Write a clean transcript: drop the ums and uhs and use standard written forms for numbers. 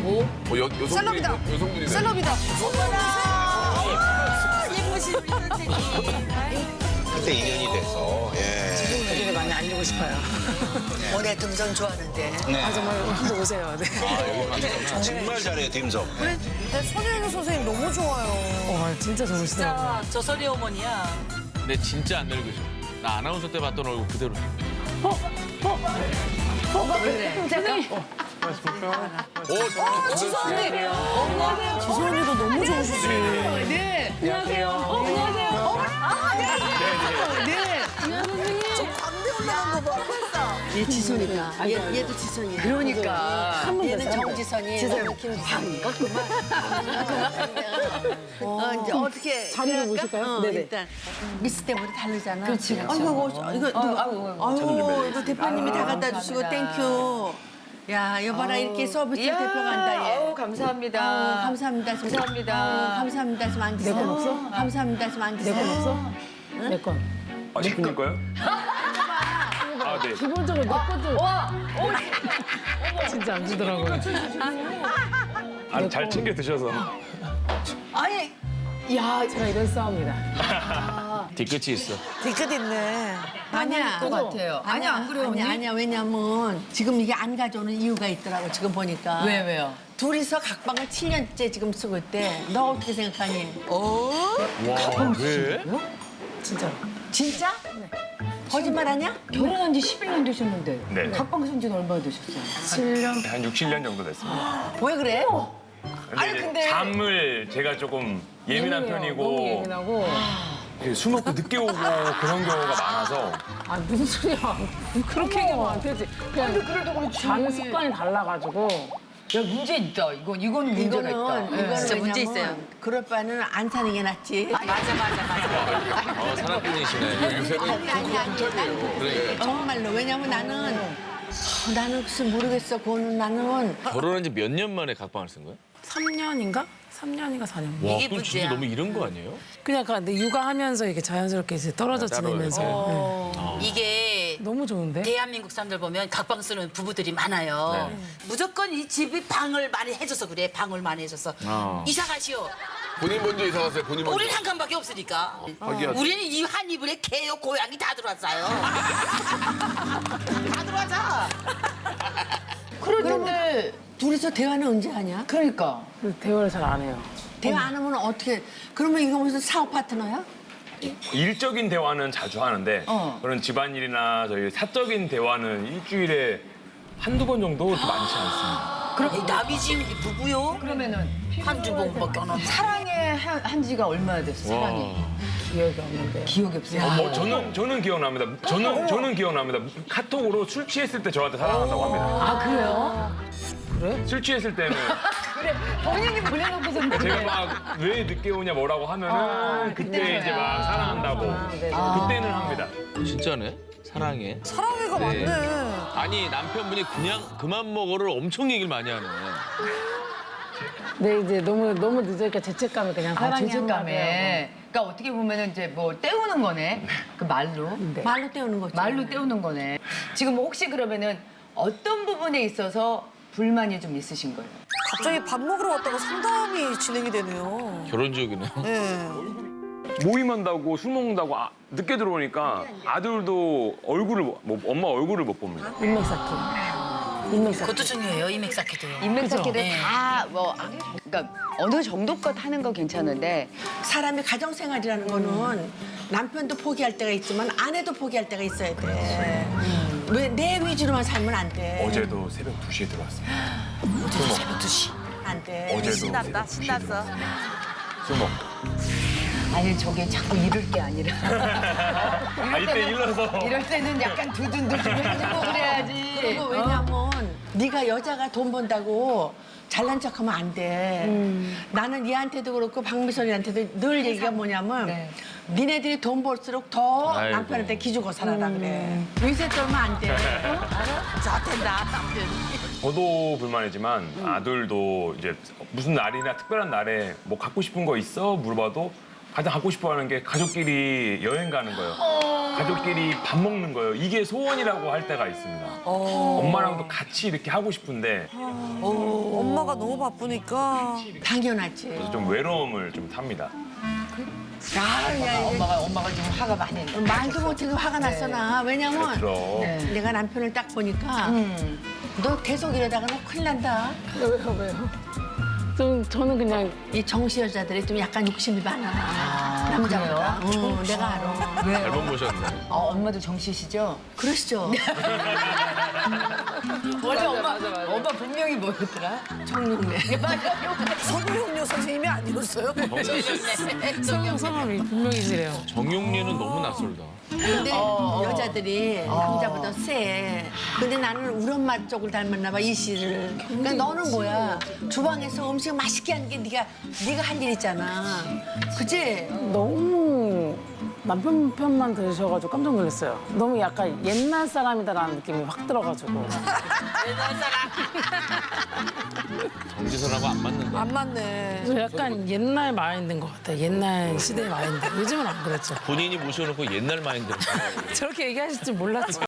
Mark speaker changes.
Speaker 1: 그리고
Speaker 2: 셀럽이다.
Speaker 1: 여성분이네.
Speaker 2: 셀럽이다.
Speaker 3: 예쁘신 우리 선생님.
Speaker 4: 그때 인연이 돼서. 예.
Speaker 5: 여기를 많이 알리고 싶어요.
Speaker 3: 원래 등산 좋아하는데.
Speaker 4: 네.
Speaker 5: 아, 정말 한번 오세요. 네.
Speaker 4: 정말 잘해요, 딤섬.
Speaker 2: 그래, 나 손혜영 선생님 너무 좋아요.
Speaker 5: 진짜 좋으시더라고요.
Speaker 3: 진짜 저설이 어머니야.
Speaker 6: 근데 진짜 안 늙으셔. 나 아나운서 때 봤던 얼굴 그대로.
Speaker 2: 지수 언니도 너무 좋으시지.
Speaker 7: 얘 지선이다. 얘도 지선이야. 그러니까. 얘는 정지선이. 지선 반갑구만. 이제 어떻게.
Speaker 5: 자리를 모실까요? 네네.
Speaker 7: 일단 미스 때문에 다르잖아.
Speaker 5: 그렇지.
Speaker 7: 아이고, 이거 누가. 아이고, 이거 대표님이 다 갖다 주시고 땡큐. 야, 여봐라 이렇게 서비스 대표 간다 얘.
Speaker 3: 감사합니다.
Speaker 7: 감사합니다. 감사합니다. 감사합니다. 좀 앉으세요.
Speaker 5: 내건 없어?
Speaker 7: 감사합니다. 좀 앉으세요.
Speaker 5: 내건 없어? 내 건.
Speaker 8: 아, 시키는 거요? 아, 네.
Speaker 5: 기본적으로 내 것도. 진짜 안 주더라고요.
Speaker 8: 아, 잘 챙겨 드셔서.
Speaker 7: 아니,
Speaker 5: 야, 제가 이런 싸움이다.
Speaker 6: 뒤끝이 있어.
Speaker 2: 뒤끝 있네.
Speaker 7: 아니야.
Speaker 5: 것 같아요.
Speaker 7: 아니야, 안 그래요, 아니야. 왜냐면 지금 이게 안 가져오는 이유가 있더라고, 지금 보니까.
Speaker 3: 왜요?
Speaker 7: 둘이서 각방을 7년째 지금 쓰고 있대. 너 어떻게 생각하니?
Speaker 6: 와, 왜?
Speaker 5: 진짜로.
Speaker 7: 진짜? 네. 거짓말하냐?
Speaker 9: 결혼한 지 11년 되셨는데
Speaker 8: 네.
Speaker 9: 각방 쓴 지는 얼마나 되셨어요?
Speaker 5: 7년?
Speaker 8: 한 6, 7년 정도 됐습니다.
Speaker 7: 왜 그래?
Speaker 8: 근데, 이제 잠을 제가 조금 예민한
Speaker 5: 너무
Speaker 8: 편이고
Speaker 5: 예민하고.
Speaker 8: 술 먹고 늦게 오고 그런 경우가 많아서
Speaker 5: 아, 무슨 소리야. 그렇게 얘기하면 안 되지. 그냥
Speaker 9: 그래도 그렇지.
Speaker 5: 자는 습관이 달라가지고.
Speaker 9: 야, 문제 있다. 이거는 문제가 있다.
Speaker 7: 이거는
Speaker 3: 진짜 문제
Speaker 7: 왜냐면
Speaker 3: 있어요.
Speaker 7: 그럴 바는 안 사는 게 낫지.
Speaker 6: 어, 사랑꾼이시네.
Speaker 7: 아니. 정말로. 왜냐면 나는 글쎄 모르겠어. 그거는 나는.
Speaker 6: 결혼한 지 몇 년 만에 각방을 쓴 거야?
Speaker 5: 3년인가? 3년인가 4년.
Speaker 6: 와,
Speaker 3: 이게
Speaker 6: 그럼 진짜
Speaker 3: 문제야.
Speaker 6: 너무 이른 거 아니에요?
Speaker 5: 그냥 근데 육아하면서 이렇게 자연스럽게 이제 떨어져
Speaker 6: 따로
Speaker 5: 지내면서. 네.
Speaker 3: 이게
Speaker 5: 너무 좋은데?
Speaker 3: 대한민국 사람들 보면 각방 쓰는 부부들이 많아요. 무조건 이 집이 방을 많이 해줘서 그래. 방을 많이 해줘서. 이사 가시오.
Speaker 1: 본인 먼저 이사 갔어요. 본인 먼저.
Speaker 3: 우리는 한 칸밖에 없으니까. 우리는 이 한 이불에 개요, 고양이 다 들어왔어요. 다 들어와자.
Speaker 7: 그러면 둘이서 대화는 언제 하냐?
Speaker 9: 그러니까.
Speaker 5: 대화를 잘 안 해요.
Speaker 7: 대화 안 하면 어떻게? 그러면 이거 무슨 사업 파트너야?
Speaker 8: 일적인 대화는 자주 하는데 그런 집안일이나 저희 사적인 대화는 일주일에 한두 번 정도 그렇게 많지 않습니다.
Speaker 3: 그럼 남이지 부부요?
Speaker 9: 그러면은
Speaker 3: 한 주먹밖에 안 하고.
Speaker 9: 사랑에 한 지가 얼마나 됐어? 사랑이.
Speaker 5: 기억이 없는데.
Speaker 9: 기억이 없어요.
Speaker 8: 저는 기억납니다. 저는 기억납니다. 카톡으로 술 취했을 때 저한테 사랑한다고 합니다.
Speaker 9: 아, 그래요?
Speaker 8: 술 취했을 때는
Speaker 9: 본인이 보내놓고서
Speaker 8: 제가 막 왜 늦게 오냐 뭐라고 하면은 그때 이제 막 사랑한다고
Speaker 5: 네.
Speaker 8: 그때는 합니다.
Speaker 6: 진짜네? 사랑해.
Speaker 2: 사랑해가
Speaker 6: 네.
Speaker 2: 많네.
Speaker 6: 아니, 남편분이 그냥 그만 먹어를 엄청 얘기를 많이 하네.
Speaker 5: 근데 이제 너무 늦으니까 죄책감이 그냥 사랑해.
Speaker 9: 죄책감에. 그러니까 어떻게 보면은 이제 뭐 때우는 거네. 그 말로.
Speaker 7: 말로 때우는 거지.
Speaker 9: 말로 때우는 거네. 지금 혹시 그러면은 어떤 부분에 있어서 불만이 좀 있으신 거예요?
Speaker 2: 갑자기 밥 먹으러 왔다가 상담이 진행이 되네요.
Speaker 6: 결혼 지옥이네.
Speaker 2: 네.
Speaker 8: 모임한다고 술 먹는다고 늦게 들어오니까 아들도 엄마 얼굴을 못 봅니다.
Speaker 5: 인맥 쌓기. 인맥 쌓기.
Speaker 3: 그것도 중요해요, 이맥 쌓기도요.
Speaker 9: 인맥 쌓기를
Speaker 3: 네.
Speaker 9: 다 뭐, 그러니까 어느 정도껏 하는 건 괜찮은데
Speaker 7: 사람의 가정생활이라는 거는 남편도 포기할 때가 있지만 아내도 포기할 때가 있어야 돼. 왜 내 위주로만 살면 안 돼.
Speaker 8: 어제도 새벽 2시에 들어왔습니다.
Speaker 3: 어제도 새벽 2시.
Speaker 7: 안 돼.
Speaker 8: 어제도
Speaker 3: 신났다,
Speaker 8: 새벽 2시에
Speaker 3: 신났어.
Speaker 8: 들어왔습니다. 술 먹고.
Speaker 9: 아니 저게 자꾸 이럴 게 아니라
Speaker 8: 이때 일러서
Speaker 9: 이럴 때는 약간 두둔두둔 해주고 그래야지.
Speaker 7: 그리고 왜냐면 네가 여자가 돈 번다고 잘난 척하면 안 돼. 나는 얘한테도 그렇고 박미선이한테도 늘 얘기가 뭐냐면
Speaker 9: 네.
Speaker 7: 니네들이 돈 벌수록 더
Speaker 6: 아이고.
Speaker 7: 남편한테 기주고 살아라 그래. 위세 떨면 안 돼.
Speaker 3: 자, 된다, 남편.
Speaker 8: 저도 불만이지만 아들도 이제 무슨 날이나 특별한 날에 뭐 갖고 싶은 거 있어? 물어봐도 가장 갖고 싶어하는 게 가족끼리 여행 가는 거예요. 가족끼리 밥 먹는 거예요. 이게 소원이라고 할 때가 있습니다. 엄마랑도 같이 이렇게 하고 싶은데
Speaker 2: 엄마가 너무 바쁘니까.
Speaker 7: 당연하지.
Speaker 8: 그래서 좀 외로움을 좀 탑니다.
Speaker 9: 엄마가 좀 화가 많이 나.
Speaker 7: 말도 못해도 화가 났어 나. 왜냐면
Speaker 8: 그럼
Speaker 7: 내가 남편을 딱 보니까 너 계속 이러다가 너 큰일 난다.
Speaker 5: 왜요? 저는 그냥
Speaker 7: 이 정시 여자들이 좀 약간 욕심이 많아. 남자보다. 내가 알아.
Speaker 6: 잘못 보셨네.
Speaker 9: 엄마도 정씨시죠?
Speaker 7: 그러시죠.
Speaker 9: 원래 엄마 분명히 뭐였더라?
Speaker 7: 정육래.
Speaker 2: 성룡료 선생님이 아니었어요?
Speaker 5: 성함이 분명히시래요.
Speaker 6: 정용례는 너무 낯설다.
Speaker 7: 근데 여자들이 남자보다 세. 근데 나는 우리 엄마 쪽을 닮았나 봐, 이 씨를. 그러니까 너는 뭐야? 주방에서 음식 맛있게 하는 게 네가 할 일 있잖아. 그치?
Speaker 5: 너무 남편 편만 들으셔가지고 깜짝 놀랐어요. 너무 약간 옛날 사람이다라는 느낌이 확 들어가지고.
Speaker 6: 정지선하고 안 맞는다.
Speaker 2: 안 맞네.
Speaker 5: 저 약간 옛날 마인드인 것 같아요. 옛날 시대의 마인드. 요즘은 안 그랬죠.
Speaker 6: 본인이 모셔놓고 옛날 마인드를.
Speaker 5: 저렇게 얘기하실 줄 몰랐죠.